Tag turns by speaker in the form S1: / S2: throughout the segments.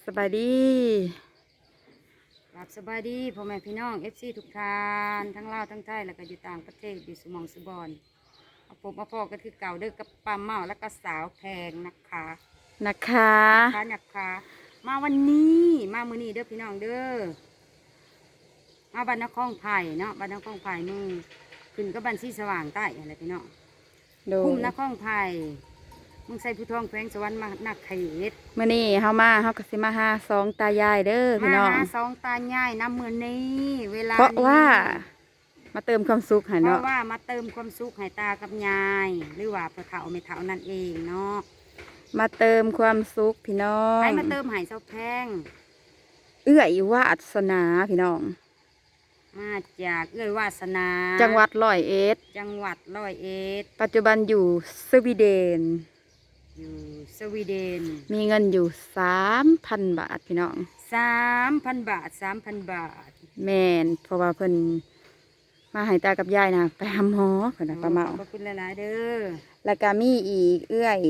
S1: สบายดี
S2: หลับสบายดีพ่อแม่พี่น้องFCทุกท่านทั้งลาวทั้งไทยแล้วก็อยู่ต่างประเทศอยู่สมองสุบอนเอาผมมาพอก็คือเก่าเด้อกับป้าเมาแล้วก็สาวแพงนะคะนะคะมาวันนี้มามื้อนี้เด้อพี่น้องเด้อมาบ้านนครไผ่เนาะบ้านนครไผ่มึงขึ้นก็บ้านที่สว่างใต้อะไรพี่น้องคุ้มนครไผ่มึงใส่ผู้ทองแขวงสวรรค์มานักไข่เอ็ด
S1: มื้อนี้เฮาก็สิมาหาสองตายายเด้อพี่น้อง
S2: มาสองตาย่ายน้ำมือนี้เวลา
S1: เพราะว่ามาเติมความสุขให้
S2: เพ
S1: เนาะ
S2: ราะว่ามาเติมความสุขให้ตากับยายหรือว่าพ่อเฒ่าแม่เฒ่านั่นเองเนาะ
S1: มาเติมความสุขพี่น้อง
S2: ให้มาเติมให้เจ้าแพง
S1: เอื้อยวาสนาพี่น้อง
S2: มาจากเอื้อยวาสนา
S1: จังหวัดร้อยเอ็ดปัจจุบันอยู่สวีเดน
S2: อยู่สวีเดน
S1: มีเงินอยู่ 3,000 บาทพี่น้อง
S2: 3,000 บาท
S1: แม่นเพราะว่าเพิ่นมาให้ตากับยายนะไปหาหมอเพิ่นน่ะป้าเมา
S2: ขอบคุณหลายๆเด้อ
S1: แล้วก็มีอีกเอื้อย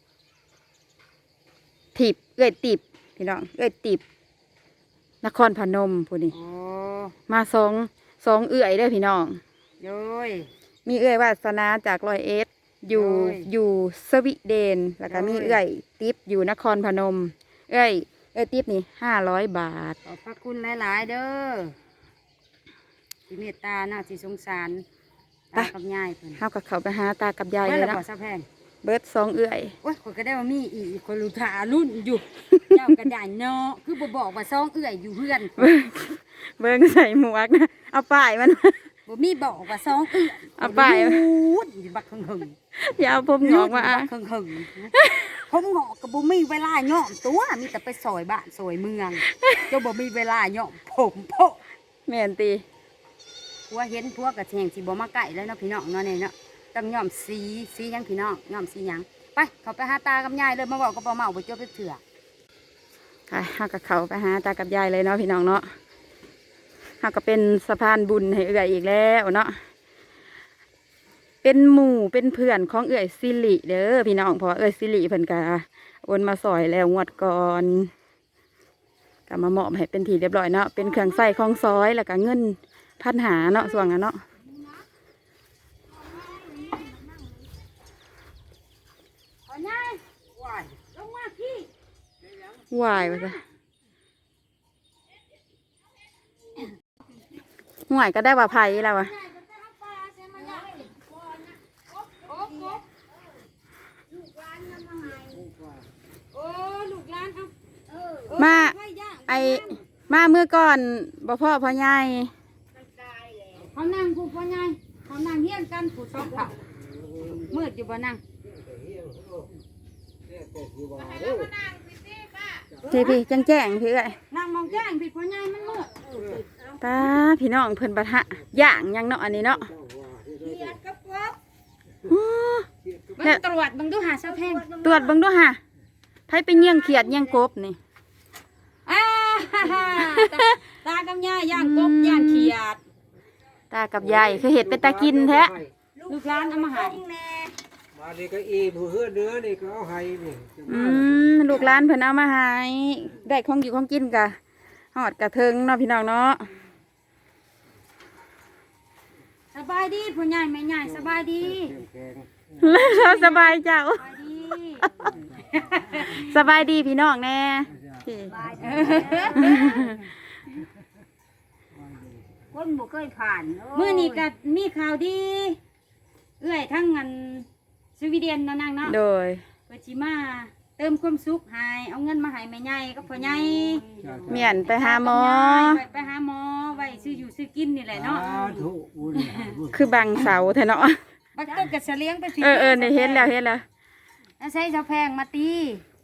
S1: ติบพี่น้องเอื้อยติบนครพนมพูนี่มาสองเอื้อยเด้อพี่น้อง
S2: โดย
S1: มีเอื้อยวาสนาจากร้อยเอ็ดอยู่สวีเดนแล้วก็มีเอื้อยติบอยู่นครพนมเอื้อยติบนี่500 บาท
S2: ขอบพระคุณหลายๆเด้อที่เมตตาน่าสิสงสารตากับยายเพิ่น
S1: เฮาก็เข้าไปหาตากับยายเลยเนาะเบิด2เอื้อย
S2: โอ้ยคนก็ได้ว่ามีอีกคนรู้ทารุ่นอยู่ เจ้ากระดานเนาะคือบ่บอกว่า2เอื้อยอยู่เพื่อน
S1: เบิ่งใส่หมวกนะเอาป้ายมัน
S2: บ่มีบอกว่า2เอื้อย
S1: เอาป้าย
S2: อยู่บักหึง
S1: อย่าเอาผมงอกมา
S2: บักหึงผมงอกก็บ่มีเวลาย้อมตัวมีแต่ไปซอยบ้านซอยเมืองเจ้าบ่มีเวลาย้อมผมโพ
S1: แม่นติ
S2: ผัวเห็นผัวก็แทงสิบ่มาใกล้แล้วเนาะพี่น้องเนาะนี่เนาะต้องย้อมสีหยังพี่น้องย้อมสีหยังไปเขาไปหาตากับยายเลยมาบอกกับป้าเมาไปจบไปเถื่อ
S1: ไปเฮากับเขาไปหาตากับยายเลยเนาะพี่น้องเนาะเฮาก็เป็นสะพานบุญให้เอื้อยอีกแล้วเนาะเป็นหมู่เป็นเพื่อนของเอื้อยสิริเด้อพี่น้องเพราะเอื้อยสิริเพิ่นก็โอนมาซอยแล้วงวดก่อนก็มามอบให้เป็นที่เรียบร้อยเนาะเป็นเครื่องใส่ของซอยแล้วก็เงิน1,500เนาะส่วนนั้นเนาะวายไปจ้ะห่วยก็ได้ว่าไผ่แล้ววะมาเมื่อก่อนบ่พ่อพ่อใหญ่
S2: เขานั่งผู้พ่อใหญ่เขานั่งเฮี้ยนกันผู้ชอบเขามืดอยู่บ่นั่ง
S1: พี่แจ้งพี่เลย
S2: นั่งมองแจ้งพี่พ่อใหญ่มันมืด
S1: ตาพี่น้องเพิ่นปะทะย่างยังเนาะอันนี้เนาะ
S2: ตรวจบังดูหาเสาแพง
S1: ตรวจบังดูหาไผไปเยี่ยงเขียดเยี่ยงกบนี่
S2: ตากับยายย่างกบย่างเขียด
S1: ตากับยายคือเห็ดเป็นตากินแท้
S2: ลูกร้านเอามาให้
S3: มาดีก็อีผู้เฮือเนื้อนี่ก็เอาให้นี่
S1: ลูกร้านเพิ่นเอามาให้ได้ของอยู่ของกินกะหอดกะเทิงเนาะพี่น้องเนาะ
S2: สบายดีผู้ใหญ่แม่ใหญ่สบายดี
S1: แล้วสบายเจ้าสบายดีพี่น้องแน่
S2: คนบ่เคยผ่านมื้อนี้ก็มีข่าวดีเอื้อยทั้งเงินสวีเดนเนาะนางเนาะ
S1: โดย
S2: เพิ่นสิมาเติมความสุขให้เอาเงินมาให้แม่ใหญ่กับพ่อใหญ่
S1: เมียนไปหาหมอ
S2: ไว้ซื้ออยู่ซื้อกินนี่แหละเนาะ
S1: คือบังเสาแท้เนาะ
S2: บักต้นกระเสลียงไปสิ
S1: นี่เห็นแล้ว
S2: ใช้เสาแพงมาตี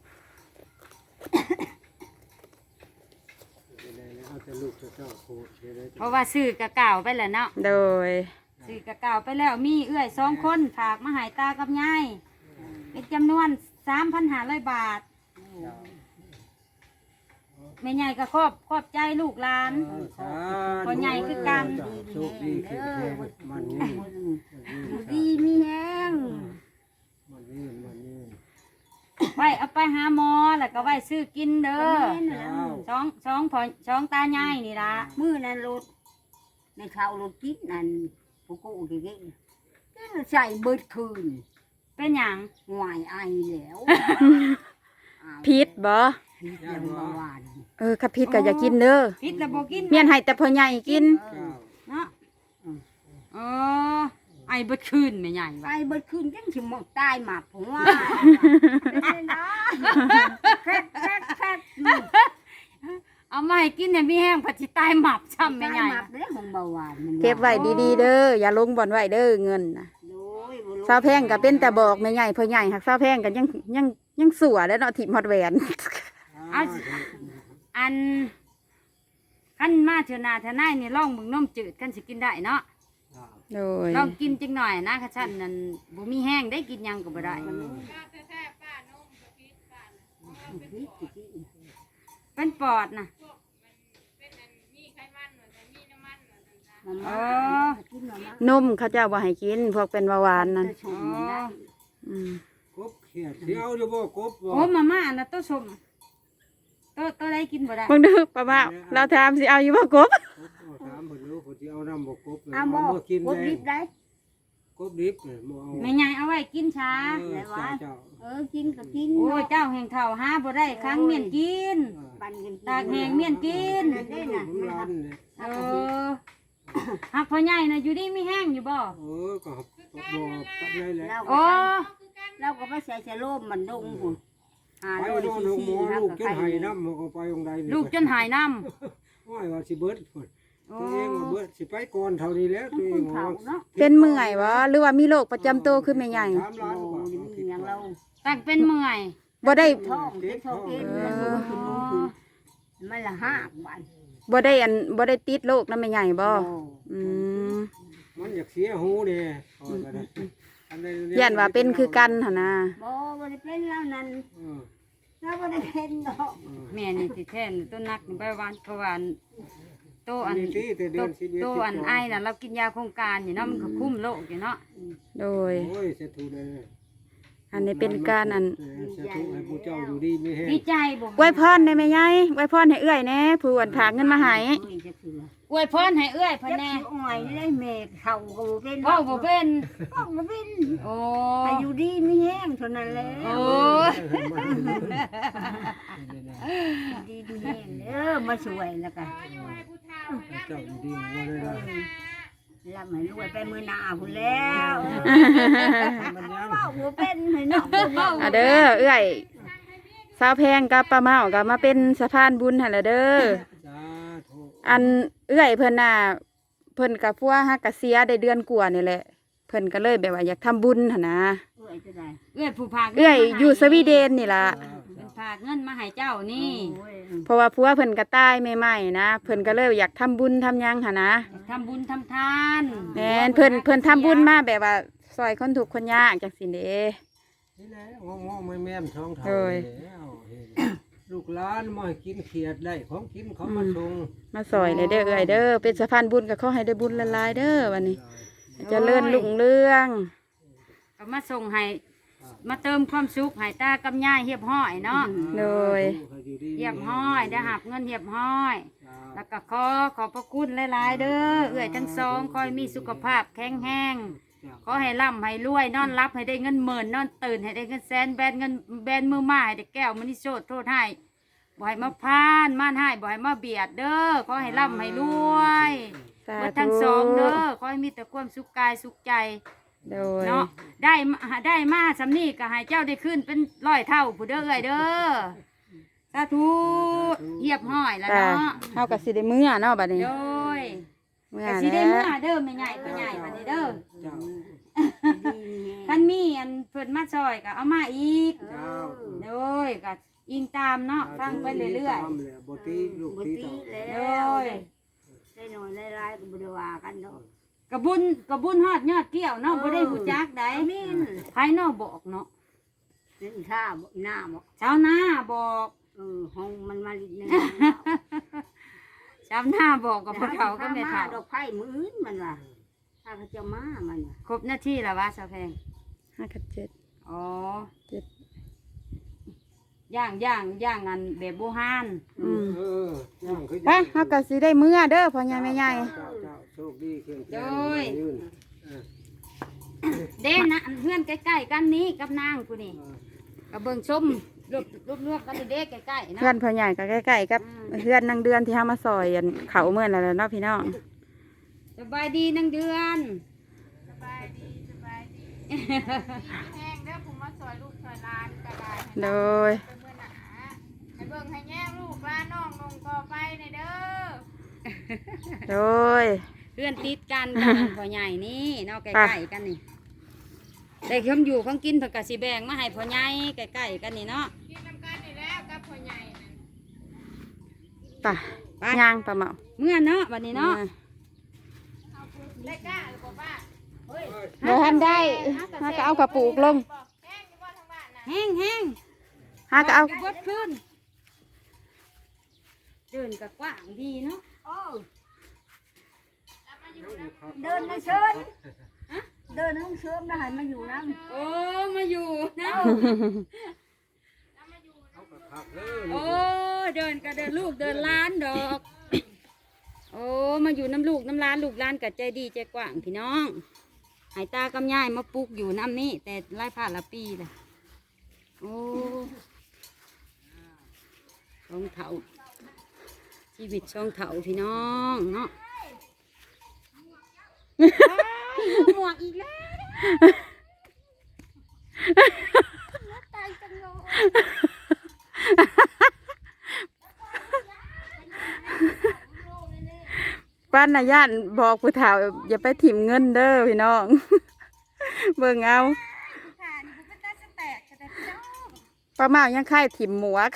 S2: เพราะว่าซื้อกะเก่าไปแล้วเนาะ
S1: โดย
S2: ซื้อกะเก่าไปแล้วมีเอื้อย2 คนฝากมาให้ตากับยายเป็นจำนวน 3,500 บาทแม่ใหญ่ก็ขอบใจลูกหลานพ่อใหญ่คือกันดีมีแห้งไว้เอาไปหาหมอแล้วก็ไว้ซื้อกินเด้อ
S3: เจ้า
S2: สองตาใหญ่นี่ล่ะ
S4: มื้อนั้นรถในเขารถกินนั่นผู้กูดีๆใส่เบิดคืน
S2: เป็นหยัง
S4: หวายไอแล้ว
S1: พิษบ่
S4: พิษยังบ่หวาน
S1: ข้าพิษก็อย่ากินเด้อ
S2: พิษแล้วบ่กิน
S1: เมียนให้แต่พ่อใหญ่กิน
S3: เจ้า
S2: เนาะไอ้เบิดคืนแม่ใหญ่
S4: ไป
S2: ว่า
S4: เบิดคืนจังสิหมดตายหมักผมว่าแคก
S2: เอามาให้กินเนี่ยมีแห้งผัดสิตายหมับช้ำแม่ใหญ่
S4: หมักเด้ของเบาหวานมัน
S1: เก็บไว้ดีๆเด้ออย่าลงบ่อนไว้เด้อเงินน่ะ
S4: โดยบ่รู้
S1: สาวแพงก็เป็นแต่บอกแม่ใหญ่พ่อใหญ่หักสาวแพงก็ยังสัวแล้วเนาะถิ่มฮอดแหวน
S2: เอาอันขั้นมาเถอะนาเถอะนายนี่ลองมึงน้มจืดกันสิกินได้เนาะ
S1: โดย
S2: ลองกินจังหน่อยนะค่ะฉันนั่นบ่มีแห้งได้กินหยังก็บ่ได้ เป็นปอดนะ
S4: อ๋อกินมาน
S1: มเขาเจ้าบ่ให้กินพวกเป็นเบาหวานนั่น
S4: ชมได้
S1: อืม
S3: กบเขียดสิเอาอยู่บ่กบบ่
S2: โอ้มาม่านะตัวสมตัวได้กินบ่ได้
S1: เบิ่งเด้อป้าว่าเราถามสิเอาอยู่บ่กบ
S3: กบเอาถามเพิ่นดูเพิ่นสิเอาน้ำบ่กบเลย
S4: เอาบ่
S3: มากิน
S4: กบดิบได้
S3: กบดิบเลยบ่เอา
S2: แม่ใหญ่เอาไว้กินช้า
S3: เจ้า
S4: กินก็กิน
S2: โอ้ยเจ้าแห่งเฒ่าหาบ่ได้ครั้งเมียนกิน
S4: ปันกัน
S2: ตากแห้งเมียนกิน
S4: ได้น่ะ
S3: ลูกหลานเนี่ย
S2: เออหักพ่อใหญ่น่ะอยู่ดีมีแห้งอยู่บ่
S3: ก็บ่ปัดเลยแหละ
S4: เรา
S2: โอ้
S4: เราก็ไม่ใส่ชะโลมมันดงหุ่นหา
S3: ไป
S4: โล
S3: โน่น
S4: ซี
S3: หงหมอ
S4: นะ
S3: ลูก
S4: ก็
S3: จน
S4: ใคร
S3: ไห้น้ำมันก็ไปตรงใด
S2: ลูกจนหายน้
S3: ว่าว่าสิเบิดพุ่น
S2: ำโอ้
S3: ตัวเองว่าเบิดสิไปก่อนเท่านี้แล้วตัวเอ
S4: คุ
S3: ง
S4: ณ
S3: ว่า
S4: เขาเนาะ
S1: เป็นเมื่อยบ่หรือว่ามีโรคประจำตัวขึ้นแม่ใหญ่
S3: 3 ล้านกว่า
S4: โอ้ยมีอย่างเรา
S2: ตักเป็นเมื่อย
S1: บ่ได้
S4: ท้องเจ็บท้องเองมันขึ้นขึ้นมันละห้าวัน
S1: บ่ได้ติดโรคนํแม่ใหญ่บ่อืม
S3: มันอยากเสียหูเด้
S1: ย่านว่าเป็นคือกันหั่นน่ะ
S4: บ่ได้เป็นแล้วนั่น
S3: เออ
S4: เราบ่ได้เป็นดอก
S2: แม่นี่สิแท้นต้นนักนี่ไปวานเพราะว่าโตอัน
S3: ที่แต่เดือน11
S2: โตอันไอน่ะเรากินยาโครงการอยู่เนาะมันก็คุ้มโรคอยู่เนาะ
S1: โดย
S3: โอ้ยเสียถูกเลย
S1: อันนี้เป็นการอัน
S3: เสียถูกให้ผู้เจ้าอยู่ดีไม่แห้ง
S2: ดีใจบ่
S1: อวยพรได้แม่ใหญ่อวยพรให้เอื้อยแหน่ผู้อันฝากเงินมาให้
S4: จะถือ
S2: อวยพรให้เอื้อยเพิ่น
S4: จะ
S2: แน่
S4: ถืออ่อยได้แม่เขาก็บ่เป็น
S2: เว้าบ่เป็น
S4: ก็บ่เป็น
S2: โอ้
S4: อายุดีไม่แห้งเท่านั้นแหละ
S2: โอ้ย
S4: ดีดีแห้งเด้อมาช่วยแล้วก็
S3: เจ้าอยู่ดีว่าได้ละ
S4: รับให้รวยไปมื้อหน้าพุ่นแล้ว
S3: มันยัง
S4: เว้าบ่เป็นให้น้องเว้า
S1: อ่ะเด้อเอื้อยสาวแพงกับป้าเมาก็มาเป็นสะพานบุญหั่นล่ะเด้อ
S3: สาธุ
S1: อันเอื้อยเพิ่นน่ะเพิ่นกับพวกฮักกะเสียได้เดือนกว่านี่แหละ เพิ่นก็เลยแบบว่าอยากทำบุญหั่นนะ
S4: เอ้ยจะได้
S2: เอื้อยผู้พาก
S1: เอื้อยอยู่สวีเดนนี่ล่ะ
S2: เป็นพากเงินมาให้เจ้านี่
S4: โอ้ย
S1: เพราะว่าผัวเพิ่นก็ตายใหม่ๆนะเพิ่นก็เลยอยากทำบุญทำหยังหั่นนะ
S2: ทำบุญทำทาน
S1: แม่นเพิ่นทำบุญมาแบบว่าซอยคนทุกข์คนยากจังซี่เด้
S3: นี่แหละงอๆแม่มท้องเท่า
S1: โอ้ย
S3: แล้วลูกหลานมาให้กินเขียดได้ของกินเขามาส่ง
S1: มาซอยเลยเด้อเอื้อยเด้อเป็นสะพานบุญก็ขอให้ได้บุญหลายๆเด้อวันนี้เจริญรุ่งเรือง
S2: ก็มาส่งให้มาเติมความสุขให้ตากับยายเฮียบห้อยเนาะ
S1: โดย
S2: เฮียบห้อยได้หับเงินเฮียบห้อย แล้วก็ขอบพระคุณหลายๆเด้อเอื้อยทั้งสองคอยมีสุขภาพแข็งแรงขอให้ร่ำให้รวยนอนรับให้ได้เงินหมื่นนอนตื่นให้ได้เงินแสนแบนเงินแบนมือมาให้ได้แก้วมณีโชดโทษให้บ่ให้มาพานม่านให้บ่ให้มาเบียดเด้อขอให้ร่ำให้รวย
S1: สา
S2: เบิด
S1: ธุ
S2: ทั้งสองเด้อขอให้มีแต่ความสุขกายสุขใจ
S1: โดย
S2: เนาะได้มาสำนี่ก็ให้เจ้าได้ขึ้นเป็นร้อยเท่าผู้เด้อเอ้ยเด้อสาธุเหยียบห้อยแล้ว
S1: จ้า
S2: เนาะ
S1: เฮาก็สิได้มื้อเนาะบัดนี้
S2: โดย
S1: มื้อ
S2: ก็
S1: แล้
S2: สิได้เมื่อ
S1: ว
S2: เด้อไม่ใหญ่ก็ใหญ่บัดนี้เด้อ
S3: เจ้า
S2: คันมีอันเพิ่นมาซอยก็เอามาอีก
S3: เจ้า
S2: โดยก็อิงตามเนาะฟังไปเรื่อย
S3: ตามแหละบ่ตีลูก
S4: บ่
S3: ตี
S4: ตี
S3: ต่อ
S4: แล้ว
S2: โอ้ย
S4: ได้น้อยได้หลายก็บ่ได้ว่ากันดอก
S2: ๆกระบุญฮอดยอดเกี้ยวเนาะบ่ได้หูจักได้
S4: แม่น
S2: ภายนอกบอกเนาะ
S4: เป็นท่าบ่หน้าบ่
S2: ชาวนาบอก
S4: ห้องมันมาลิดนึง
S2: ชาวนาบอกกับพ่อเฒ่าก็แม่เฒ่า
S4: ดอกไผ่มืออื่นมันว่ะถ้าเขาจะมามันว่ะ
S2: ครบหน้าที่แล้ววะสาวแพง
S1: 5กับ7
S2: อ๋อ
S1: 7
S2: ย่างอันแบบโบราณ
S3: เออย่างคือ
S1: ไปเฮาก็สิได้มื้อเด้อพ่อใหญ่แม่ใหญ่
S3: เจ้าโชคดีเครื่องแกงยืน
S2: เด้นะอันเพื่อนใกล้ๆกันนี้กับนางกูนี่กับเบิ่งชมรวบกันเด้ใกล้ๆนะ
S1: เพื่อนพ่อใหญ่ก็ใกล้ๆกับเพื่อนนางเดือนที่เฮามาซอยอันเขาเมื่อนั่นแหละเนาะพี่น้อง
S2: สบายดีนางเดือน
S5: แห้งเด้อผมมาซอยลูกซอยหลานก็ได้
S1: โดย
S5: เป็นมื้อหนาให้เบิ่งให้แย่งลูกหลานน้องนงต่อไปในเด้อ
S1: โดย
S2: เพื่อนติดกันกับอันพ่อใหญ่นี่เนาะใกล้ๆกันนี่ได้คำอยู่ของกินเพิ่นก็สิแบ่งมาให้พ่อใหญ่ใกล้ๆกันนี่เนาะ
S5: กินน้ำกันนี่แล้วกับพ่อใหญ่นั่น
S1: ไปย่างปลาเมา
S2: เมื่อเนาะวันนี้เนาะ
S5: ได้กล้าหรือเปล่าป้า
S1: เดี๋ยวท่านได้ฮาก็เอากระปุกลง
S5: บอกแห้งอยู่บ่ทางบ้านน่ะ
S2: แห้ง
S1: ฮาก็เอา
S2: บดขึ้นเดินกับกว้างดีเนาะ
S4: โอ้เดินในเชิญเดินห้องเชิญนะให้มาอยู่น้
S2: โอ้มาอยู่นะ
S3: เขาก็ขับเลย
S2: โอ้เดินก็เดินลูกเดินล้านดอกโอ้มาอยู่น้ำลูกน้ำล้านลูกล้านกับใจดีใจกว้างพี่น้องหายตากำยายมาปลูกอยู่น้ำนี่แต่ไล่ผ่านละปีเลยโอ้ช่องเถาชีวิตช่องเถาพี่น้องเนาะหมวกอีกแล้วตายจังเลย
S1: ป้านนาญาติบอกผู้เฒ่าอย่าไปถิ่มเงินเด้อพี่น้อง เบิ่งเอา
S5: ค่ะนี่ผมเป็นตาสแตกแต่พี่น้อง
S1: ป้าเมายังไข่ถิ่มหมวก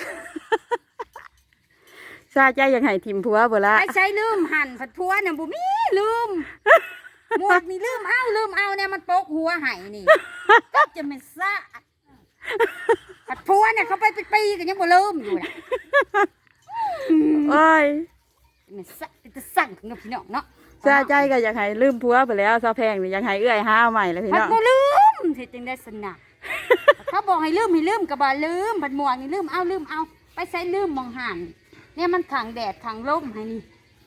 S1: ซาใจยังให้ถิ่มผัวบ่ละ
S2: ไอ้ใช้ลืมหั่นผัดพัวเนี่ยบุมีลืมหมวกนี่ลืมเอาเนี่ยมันโปกหัวไห้นี่จะไม่ซะผัดพัวเนี่ยเขาไปเป็นปีกันยังบ่ลืมอยู่นะ
S1: โอ้ย
S2: มันซะจะสั่งกับพี่น้องเนาะ
S1: ซาใจก็อยากให้ลืมผัวไปแล้วซาแพงนี่ยังให้เอื้อยห้าวใหม่เลยพี่
S2: ผัด
S1: น้อง
S2: บ่ลืมเฮ็ดจังได้สนะเขาบอกให้ลืมก็บ่ลืมผัดหมวกนี่ลืมเอาไปใช้ลืมมองหั่นเนี่ยมันขังแดดขังลมให้นี่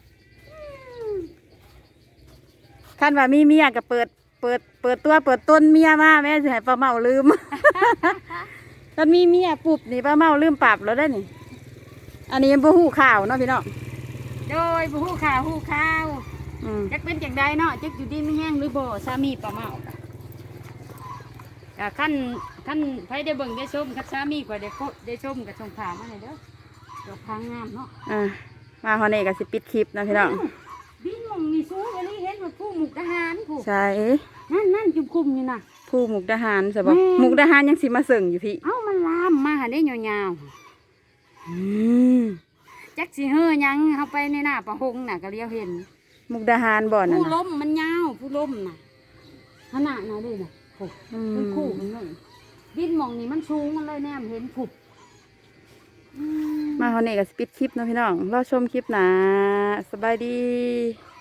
S1: คันว่ามีเมียก็เปิดตัวเปิดต้นเมียมาแม่สิให้ป้าเมาลืม ถ้ามีเมียปุ๊บนี่ป้าเมาลืมปรับแล้วได้อนี่ อันนี้ยังบ่ฮู้ข่าวเนาะพี่น้อง
S2: โดยบ่ฮู้ข่าว
S1: อืม
S2: จักเป็นจังใดเนาะจักอยู่ดีไม่แห้งหรือบ่สามีป้าเมาก็ขั้นไผได้เบิ่งได้ชมคับสามีก็ได้ชมก็ส่งข่าวมาให้เด้อดอกพางงามเนาะ
S1: มาฮอดนี่ก็สิปิดคลิปนะพี่น้อง
S2: บินมองนี่สูงอันนี้เห็นว่าผู้มุกทหารผู้
S1: ใช่
S2: นั่นจุ่มคุมอยู่น่ะ
S1: ผู้มุกดาหารใช่บ่
S2: แม่
S1: มุกดาหารยังสิมาเสิ่งอยู่พี่
S2: เอ้ามันลามมาหาได้ยาว
S1: อืม
S2: ๆจักสิเฮ้อหยังเข้าไปในหน้าประหงน่ะก็เลี้ยวเห็น
S1: มุกดาหารบ่นั่น
S2: ผู้
S1: น่ะ
S2: ล้มมันยาวผู้ล้มน่ะขนาดน่ะเด้น่ะโอ้
S1: อื
S2: เป็นคู่
S1: ม
S2: มันเลยบินมองนี่มันสูงมันเลยแนมเห็นผุบ
S1: มาฮอดนี่ก็สิปิดคลิปเนาะพี่น้องรอชมคลิปหน้าสบายดี